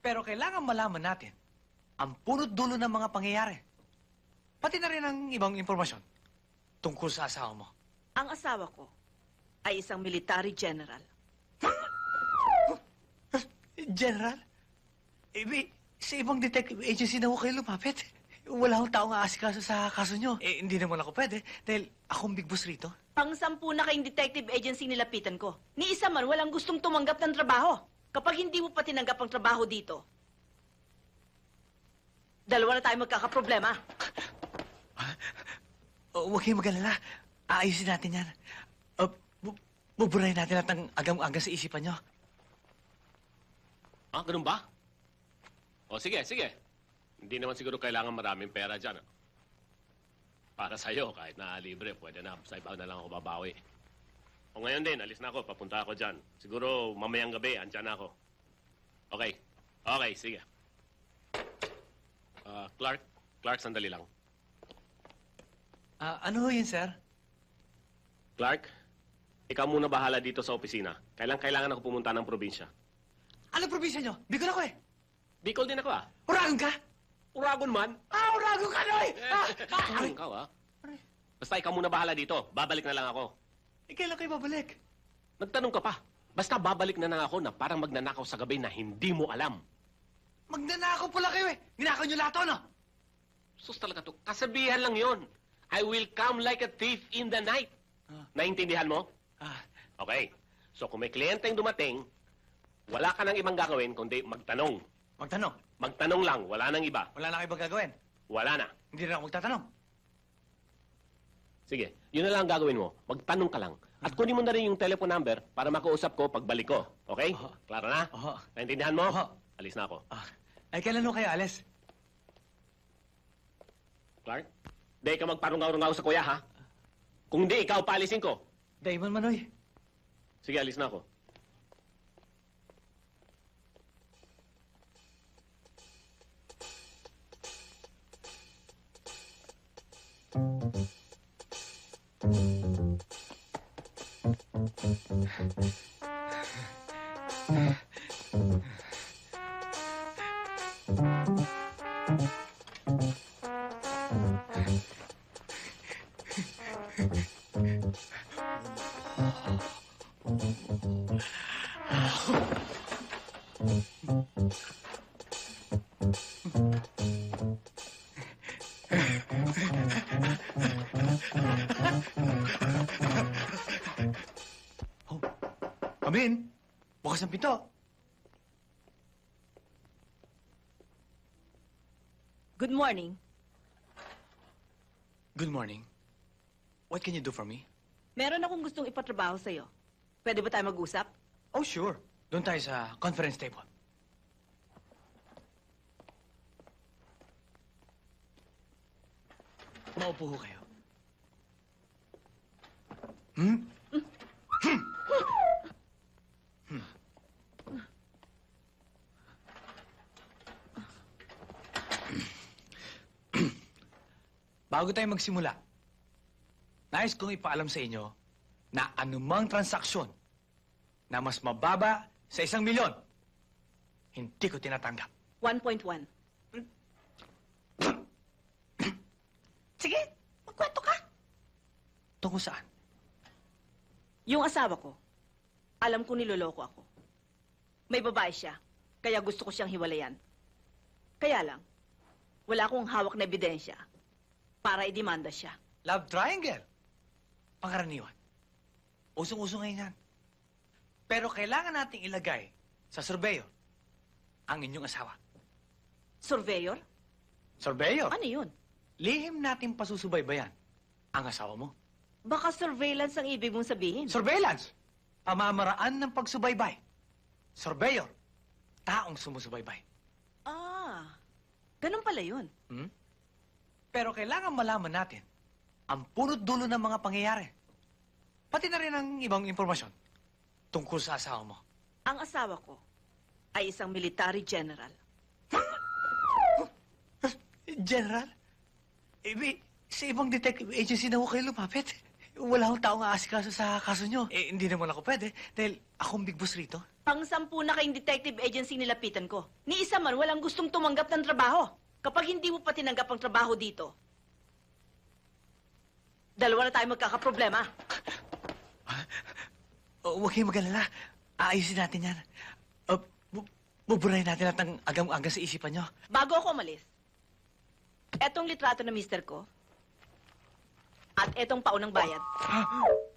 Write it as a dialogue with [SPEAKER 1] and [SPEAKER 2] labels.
[SPEAKER 1] Pero kailangan malaman natin ang punot dulo ng mga pangyayari. Pati na rin ang ibang impormasyon tungkol sa asawa mo.
[SPEAKER 2] Ang asawa ko ay isang military general.
[SPEAKER 1] General? Sa ibang detective agency na ho kayo lumapit. Wala akong taong aasikaso sa kaso nyo. Hindi naman ako pwede dahil akong big boss rito.
[SPEAKER 2] Pang-sampu na kayong detective agency nilapitan ko. Ni isa man walang gustong tumanggap ng trabaho. Kapag hindi mo pa tinanggap ang trabaho dito, dalawa na tayo magkakaproblema.
[SPEAKER 1] Huwag kayong mag-alala. Aayusin natin yan. Buburahin natin lahat ng agam-aga sa isipan nyo.
[SPEAKER 3] Ah, ganun ba? O, sige, sige. Hindi naman siguro kailangan maraming pera dyan. Para sa'yo, kahit na libre, pwede na. Sa iba na lang ako babawi. O ngayon din, alis na ako. Papunta ako dyan. Siguro mamayang gabi, andyan na ako. Okay. Okay, sige. Clark, sandali lang.
[SPEAKER 1] Ano ho yun, sir?
[SPEAKER 3] Clark, ikaw muna bahala dito sa opisina. Kailangan ako pumunta ng probinsya.
[SPEAKER 1] Ano probinsya nyo? Bicol ako eh.
[SPEAKER 3] Bicol din ako, ah.
[SPEAKER 1] Uragon ka?
[SPEAKER 3] Uragon man.
[SPEAKER 1] Uragon ka, Noy!
[SPEAKER 3] Ikaw, ah. Basta ikaw muna bahala dito. Babalik na lang ako.
[SPEAKER 1] Kailan kayo babalik?
[SPEAKER 3] Nagtanong ka pa. Basta babalik na lang ako na parang magnanakaw sa gabi na hindi mo alam.
[SPEAKER 1] Magnanakaw pala kayo eh. Ninakaw nyo lahat, no?
[SPEAKER 3] Sus talaga to. Kasabihan lang yon. I will come like a thief in the night. Naintindihan mo? Okay. So kung may kliyenteng dumating, wala ka nang ibang gagawin kundi magtanong.
[SPEAKER 1] Magtanong?
[SPEAKER 3] Magtanong lang. Wala nang iba.
[SPEAKER 1] Wala na kayo ibang gagawin?
[SPEAKER 3] Wala na.
[SPEAKER 1] Hindi na ako magtatanong.
[SPEAKER 3] Sige. Yun na lang ang gagawin mo. Magtanong ka lang. At kunin mo na rin yung telephone number para makausap ko pagbalik ko. Okay? Klaro na? Naintindihan mo? Alis na ako.
[SPEAKER 1] Ay, kailan ho kayo alis?
[SPEAKER 3] Clark? Di ka magparungaw-rungaw sa kuya, ha? Kung di, ikaw paalisin ko.
[SPEAKER 1] Damon Manoy.
[SPEAKER 3] Sige, alis na ako.
[SPEAKER 1] Come in. Bukas ang pinto.
[SPEAKER 2] Good morning.
[SPEAKER 1] Good morning. What can you do for me?
[SPEAKER 2] Meron akong gustong ipatrabaho sa'yo. Pwede ba tayo mag-usap?
[SPEAKER 1] Oh, sure. Doon tayo sa conference table. Maupo ho kayo. Bago tayo magsimula, nais kong ipaalam sa inyo na anumang transaksyon na mas mababa sa 1,000,000, hindi ko tinatanggap.
[SPEAKER 2] 1.1. Sige, magkwento ka.
[SPEAKER 1] Tungkol saan?
[SPEAKER 2] Yung asawa ko, alam ko niloloko ako. May babae siya, kaya gusto ko siyang hiwalayan. Kaya lang, wala akong hawak na ebidensya para idemanda siya.
[SPEAKER 1] Love triangle. Pangkaraniwan. Usong-uso ngayon yan. Pero kailangan nating ilagay sa surveyor ang inyong asawa.
[SPEAKER 2] Surveyor?
[SPEAKER 1] Surveyor?
[SPEAKER 2] Ano yun?
[SPEAKER 1] Lihim natin pasusubaybayan ang asawa mo.
[SPEAKER 2] Baka surveillance ang ibig mong sabihin.
[SPEAKER 1] Surveillance. Pamamaraan ng pagsubaybay. Surveyor. Taong sumusubaybay.
[SPEAKER 2] Ganun pala yun.
[SPEAKER 1] Pero kailangan malaman natin ang punot dulo ng mga pangyayari. Pati na rin ang ibang impormasyon tungkol sa asawa mo.
[SPEAKER 2] Ang asawa ko ay isang military general.
[SPEAKER 1] General? Sa ibang detective agency na ho kayo lumapit. Wala akong taong aasikaso sa kaso nyo. Hindi naman ako pwede dahil akong big boss rito.
[SPEAKER 2] Pang-sampu na kayong detective agency nilapitan ko. Ni isa man walang gustong tumanggap ng trabaho. Kapag hindi mo pa tinanggap ang trabaho dito, dalawa na tayo magkakaproblema.
[SPEAKER 1] Huwag kayong mag-alala. Aayusin natin yan. Buburahin natin lahat ng agam-aga sa isipan nyo.
[SPEAKER 2] Bago ako umalis, etong litrato na mister ko at etong paunang bayad.